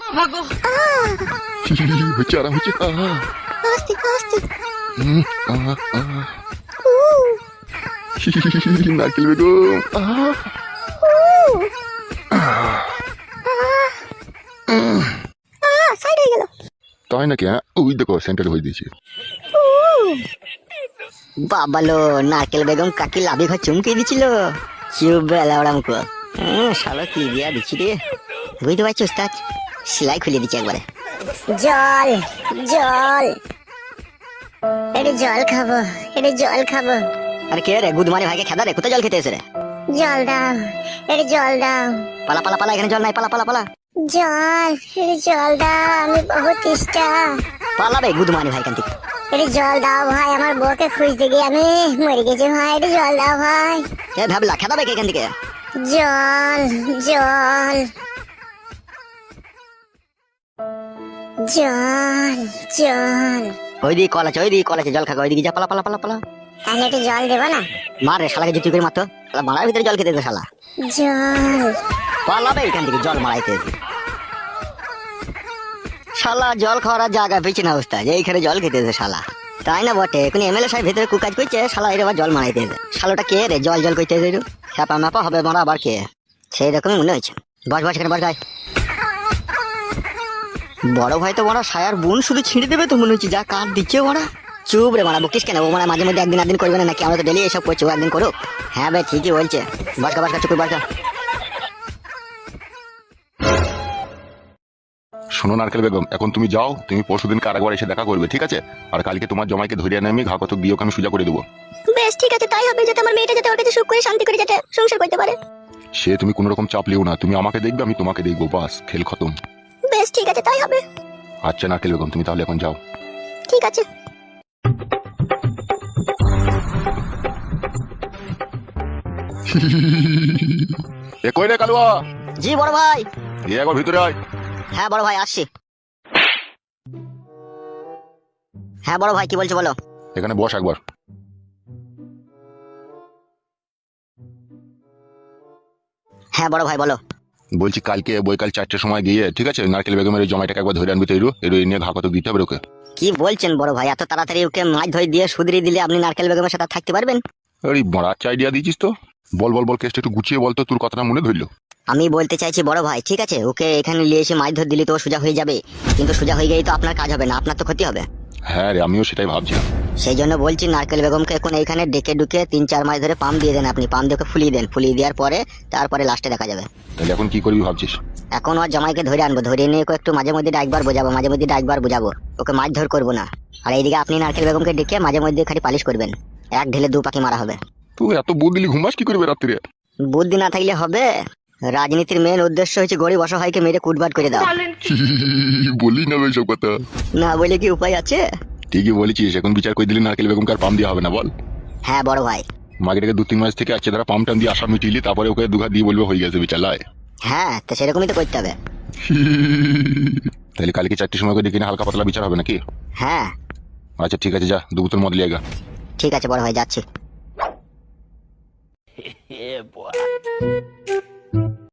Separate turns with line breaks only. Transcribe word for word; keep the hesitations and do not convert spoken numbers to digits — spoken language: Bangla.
হচ্ছে আরাম হচ্ছে।
আস্তে আস্তে
হুম, আহা, আহা। নারকেল বেগম আহা।
সাইড হয়ে গেল।
তাই নাকি? হ্যাঁ, ওই দেখো সেন্টার হয়ে দিয়েছে।
বাবালো নারকেল বেগম কাকি লাভি ঘর চুমকে দিছিল। চুপ বেলা ওরা মুখো। হ্যাঁ শালা কি দিয়া দিচ্ছি রে, বুঝতে পারছি ওস্তাদ, সেলাই খুলে দিচ্ছে একবারে। জল জল, এটা জল খাবো, এটা জল খাবো। আরে কে রে গুদমানি ভাইকে খেদা রে, কোথায় জল খেতে এসে রে? জল দাও, এটা জল দাও। পালা পালা পালা, এখানে জল নাই, পালা পালা পালা। জল, এটা জল দাও, আমি বহুত তেষ্টা। পালাবে গুদমানি ভাই কান থেকে। এটা জল দাও ভাই, আমার বউকে খুঁজতে গিয়ে আমি মরে গেছি ভাই, এটা জল দাও ভাই। কে ভাবলা খেদাবে কে এখান থেকে? জল জল জল জল। ওই দিকে কল আছে, ওই দিকে কল আছে, জল খাগা, ওই দিকে যা, পালা পালা পালা পালা। তাহলে একটু জল দেবো না? মার রে শালাকে জুতি করে মারতো, শালা মারার ভিতরে জল খেতে দে শালা। জল পালাবে এখান থেকে, জল মারাইতে শালা। জল খাওয়ার জায়গা পেয়েছে না অবস্থা, যে এইখানে জল খেতেছে শালা। তাই না বটে, এখন এমএলএ সাহেব ভিতরে কুকাজ করছে, শালা এর আবার জল মারাইতে শালোটা কে রে জল জল করতে হ্যাপা ম্যাপা হবে মারা আবার কে, সেই রকমই মনে হয়েছে। বস বস এখানে বস গাই। বড় ভাই তো বড় সায়ার বোন শুধু ছিঁড়ে দেবে তো মনে হচ্ছে, যা কাঠ দিচ্ছে ওরা। চুপ রে মারা, বকিস কেন? ও মানে মাঝে মধ্যে একদিন একদিন করবে না নাকি? আমরা তো ডেলি এসব করছি, ও একদিন করুক। হ্যাঁ ভাই ঠিকই বলছে, বাসকা বাসকা চুকুর বাসকা।
শোনো নারকেল বেগম, এখন তুমি যাও, তুমি পরশুদিন কারাগার এসে দেখা করবে, ঠিক আছে? আর কালকে তোমার জমাইকে ধরে এনে আমি ঘা কত দিয়ে ওকে আমি সোজা করে দেবো।
বেশ ঠিক আছে, তাই হবে, যাতে আমার মেয়েটা যাতে ওর কাছে সুখ করে শান্তি করে যাতে সংসার করতে পারে।
সে তুমি কোনো রকম চাপ লিও না, তুমি আমাকে দেখবে আমি তোমাকে দেখবো, বাস খেল খতম।
বেশ ঠিক আছে, তাই হবে।
আচ্ছা নারকেল বেগম, তুমি তাহলে এখন যাও।
ঠিক আছে।
এ কই রে কালুয়া?
জি বড় ভাই।
এ একবার ভিতরে আয়।
হ্যাঁ বড় ভাই আসছি। হ্যাঁ বড় ভাই কি বলছো বলো।
এখানে বস একবার।
হ্যাঁ বড় ভাই বলো।
বলছি কালকে বৈকাল চারটের সময় গিয়ে, ঠিক আছে, নারকেল বেগমের এই জমাইটাকে একবার ধরে আনবি তো, এরু এরু নিয়ে ঘা কত দিতে হবে ওকে।
কি বলছেন বড় ভাই, এত তাড়াতাড়ি ওকে মাছ ধরে দিয়ে সুদরি দিলে আপনি নারকেল বেগমের সাথে থাকতে পারবেন?
আরে বড় আচ্ছা আইডিয়া দিয়েছিস তো। বল বল বল, কেসটা একটু গুছিয়ে বল তো, তোর কথাটা মনে ধরলো।
আমি বলতে চাইছি বড় ভাই, ঠিক আছে ওকে এখানে নিয়ে এসে মাছ ধরে দিলে তো সোজা হয়ে যাবে, কিন্তু সোজা হয়ে গেলেই তো আপনার কাজ হবে না, আপনার তো ক্ষতি হবে।
হ্যাঁ রে, আমিও সেটাই ভাবছিলাম।
সেই জন্য বলছি নারকেল বেগমকে এখন এইখানে ডেকে ডুকে তিন চার মাস ধরে পাম দিয়ে দেন আপনি, পাম দিয়ে ওকে ফুলিয়ে দেন, ফুলিয়ে দেওয়ার পরে তারপরে লাস্টে দেখা যাবে।
তাহলে এখন কি করবি ভাবছিস?
এখন ওর জামাইকে ধরে আনবো, ধরে নিয়ে ওকে একটু মাঝে মধ্যে ডাকবার বোঝাবো, মাঝে মধ্যে ডাকবার বোঝাবো, ওকে মাছ ধর করবো না। আর এইদিকে আপনি নারকেল বেগমকে ডেকে মাঝে মধ্যে খালি পালিশ করবেন, এক ঢেলে দু পাখি মারা হবে।
তুই এত বুদ্ধি দিলি, ঘুমাস কি করবে রাত্রিরে?
বুদ্ধি না থাকলে হবে? রাজনীতির মেন উদ্দেশ্য হচ্ছে গরিব অসহায়কে মেরে কুটবাট করে দাও।
বলি না ওইসব কথা,
না বলে কি উপায় আছে?
ঠিকই বলেছিস, এখন বিচার করে দিলি নারকেল বেগমকে আর পাম দেওয়া হবে না, বল।
হ্যাঁ বড় ভাই।
মাগেটাকে দু তিন মাস থেকে আছে, তারা পাম টাম দিয়ে আশা মিটিলি, তারপরে ওকে দুঘা দিয়ে বলবে হয়ে গেছে বিচার লাই।
হ্যাঁ তো সেরকমই তো করতে হবে।
তাহলে কালকে চারটির সময় করে ডেকে হালকা পাতলা বিচার হবে নাকি?
হ্যাঁ
আচ্ছা ঠিক আছে, যা দু বোতল মদ লিয়ে গা।
ঠিক আছে বড় ভাই, যাচ্ছি।